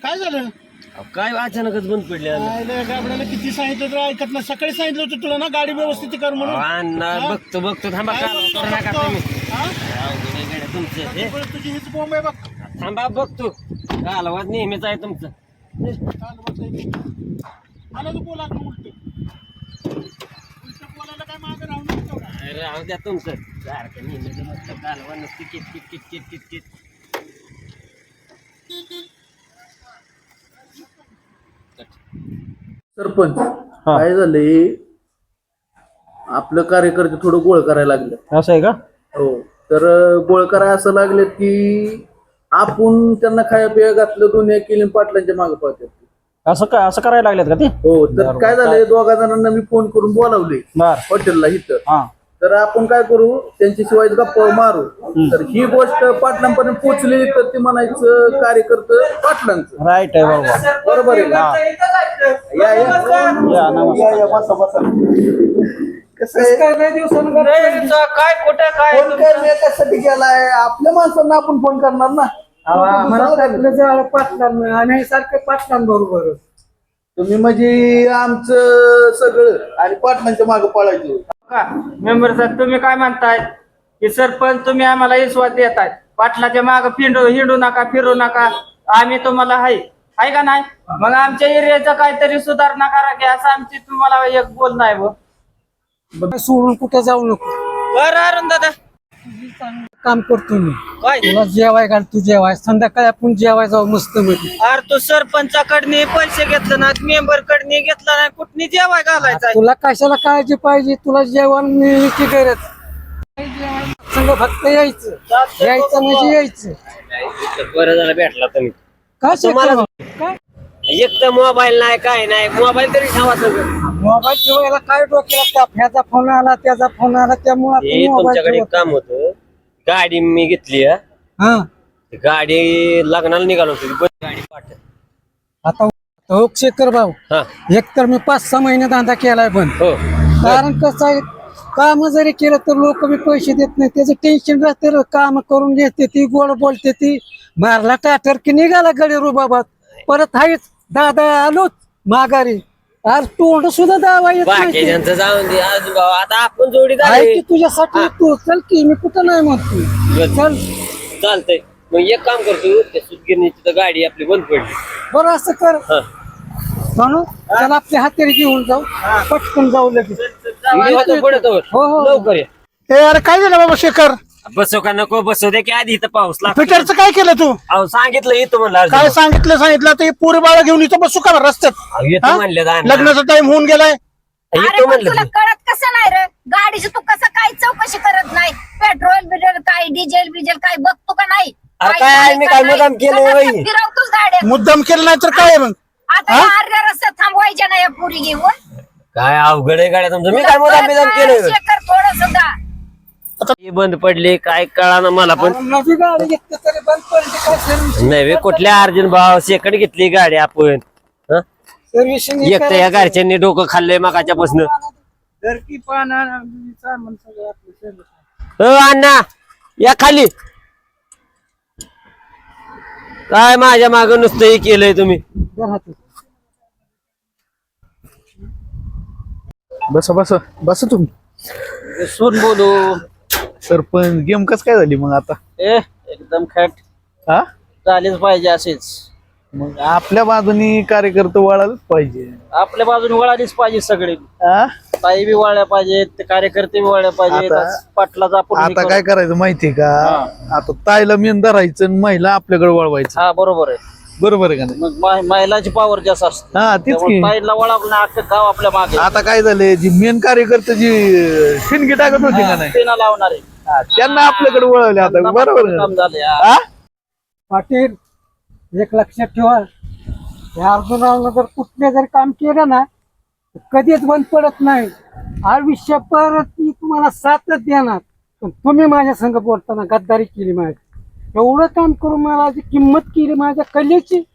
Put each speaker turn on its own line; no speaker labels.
काय झालं?
काय अचानकच बंद पडले
गाबड्याला किती सांगितलं तर ऐकत नाही. सकाळी सांगितलं होतं तुला ना गाडी व्यवस्थित कर म्हणून.
बघतो थांबा तुमचं
तुझी हीच बॉम्ब आहे बघ.
थांबा बघतो कालवाज नेहमीच आहे तुमचं.
मला तू बोला उलट बोलायला काय मागं राहून नको.
राहू द्या तुमचं सारखं नेहमीच मस्त कालवा नसते किट.
सरपंच काय झालंय, आपलं कार्यकर्ते थोडं गोळ करायला लागले.
असं आहे का?
हो, तर गोळ करायला असं लागले की आपण त्यांना खाया पिया घातलं, दोन्ही केली पाटलांच्या मागे पळतात.
असं करायला लागलेत का ते?
हो, तर काय झालंय, दोघा जणांना मी फोन करून बोलावले हॉटेलला इथं. तर आपण काय करू, त्यांच्याशिवाय गप्पा मारू. तर ही गोष्ट पाटलांपर्यंत पोहोचली तर ते म्हणायचं कार्यकर्ते पाटलांचं.
राईट आहे बाबा,
बरोबर आहे का? बसा.
काय कुठं काय
फोन करण्यासाठी गेलाय, आपल्या माणसांना आपण फोन करणार ना.
आम्ही सारखे पाटलांबरोबर.
तुम्ही म्हणजे आमचं सगळं आणि पाटलांच्या मागे पळायचं.
मेंबर साहेब, तुम्ही काय म्हणताय की सरपंच तुम्ही आम्हाला विश्वास देताय, पाटलाच्या मागे हिंडू नका, फिरू नका, आम्ही तुम्हाला हाय का नाही? मग आमच्या एरियाचा काहीतरी सुधारणा करा की असं आमची तुम्हाला एक बोलणं आहे. सोडून कुठे जाऊ नको. बरं अरुण दादा, काम करतो मी. काय तुला जेवाय घाल, तू जेवाय, संध्याकाळी आपण जेवाय जाऊ मस्त मध्ये. अरे तू सरपंचाकडनी पैसे घेतलं ना, मेंबर कडनी घेतला नाही, कुठनी जेवाय घालायचा? तुला कशाला काळजी पाहिजे, तुला जेवण मिळण्याची गरज. संग फक्त यायचं म्हणजे यायचं.
बरं झालं भेटला तुम्ही.
काय
एक तर मोबाईल नाही, काय नाही, मोबाईल तरी ठेवा सगळं.
मोबाईल ठेवायला काय डोक्याला, ह्याचा फोन आला त्याचा फोन आला, त्यामुळे
तुमच्याकडे एक काम होतं, गाडी मी घेतली. गाडी लग्नाला निघालो होतो, गाडी पाठ.
आता हो शेखर भाऊ, एक तर मी 5-6 महिने धंदा केलाय पण. कारण कसं आहे, काम जरी केलं तर लोक मी पैसे देत नाही, त्याचं टेन्शन राहते. काम करून घेते ती, गोड बोलते ती, मारला टाटर की निघाला गडी रुबाबात. परत आहेच दादा आलोच माघारी, आज तोंड सुद्धा दावा येत नाही.
जाऊन दे आता आपण जोडी
की तुझ्यासाठी तू चल की, मी कुठं नाही म्हणतो, चल
चालतंय. मग एक काम करतो, त्या सुतगिरणीची तर गाडी आपली बंद पडली.
बरं असं कर म्हणून त्याला आपल्या हातेरी घेऊन जाऊ, पटकन जाऊ लगेच. हो
लवकर ये.
अरे काय झालं बाबा शेखर?
बसो का नको बसो दे की आधी इथं पाऊस लागतो.
फिटरचं काय केलं तू?
अहो सांगितलं येतो म्हणलं.
काय सांगितलं आता? पोरी बाळा घेऊन इथं बसू का रस्त्यात?
येतो म्हणले,
लग्नाचा टाइम होऊन गेलाय.
येतो म्हणलं.
तुला कळत कसं नाही रे? गाडीची तू कसं काय चौकशी करत नाही? पेट्रोल बिट्रोल काय, डिझेल काय बघतो का नाही?
काय मी काय मुद्दाम केलंय बाई?
फिरवतोच गाड्या.
मुद्दाम केलं नाही तर काय मग?
आता अर्ध्या रस्त्यात थांबवायच्या नाही पुरी घेऊन.
काय अवघड आहे गाड्या तुमचं. मी काय मुद्दाम केलं?
थोडं सुद्धा
बंद पडले काय कळा ना मला पण.
नवी गाडी घेतली तरी बंद पडली, काय सर्व्हिसिंग
नाही कुठल्या अर्जुन भाव सेकंड घेतली गाडी आपण. एक तर या घरच्यांनी डोकं खाल्लंय मगाच्या पासून. अण्णा या खाली. काय माझ्या माग नुसतं हे केलंय तुम्ही.
बस तुम्ही.
सून बोलू.
सरपंच गेम कस काय झाली मग आता?
एकदम खॅट झालीच पाहिजे असेच.
मग आपल्या बाजूनी कार्यकर्ते वळायला पाहिजे,
आपल्या बाजूने वळालीच पाहिजे सगळे. ताई बी वळल्या पाहिजेत, कार्यकर्ते बी वळल्या पाहिजेत. पाटलाचा
आता काय करायचं माहितीये का? आता ताईला मेन धरायचं आणि महिला आपल्याकडे वळवायचं.
हा बरोबर आहे.
बरोबर आहे का नाही?
मग महिलाची पावर जास्त असते.
तीच की.
ताईला वळवलं अख्खं गाव आपल्या मागे.
आता काय झालंय, जी मेन कार्यकर्ते जी शिनगी टाकत होती का नाही,
त्यांना लावणार आहे,
त्यांना आपल्याकडे वळवले. आता बरोबर
काम झाले.
पाटील एक लक्षात ठेवा, या अर्जुनानं जर कुठले जर काम केलं ना कधीच बंद पडत नाही. आयुष्यभर ती तुम्हाला साथच देणार. पण तुम्ही माझ्या संग बोलताना गद्दारी केली, माझी एवढं काम करून मला जी किंमत केली माझ्या कलेची,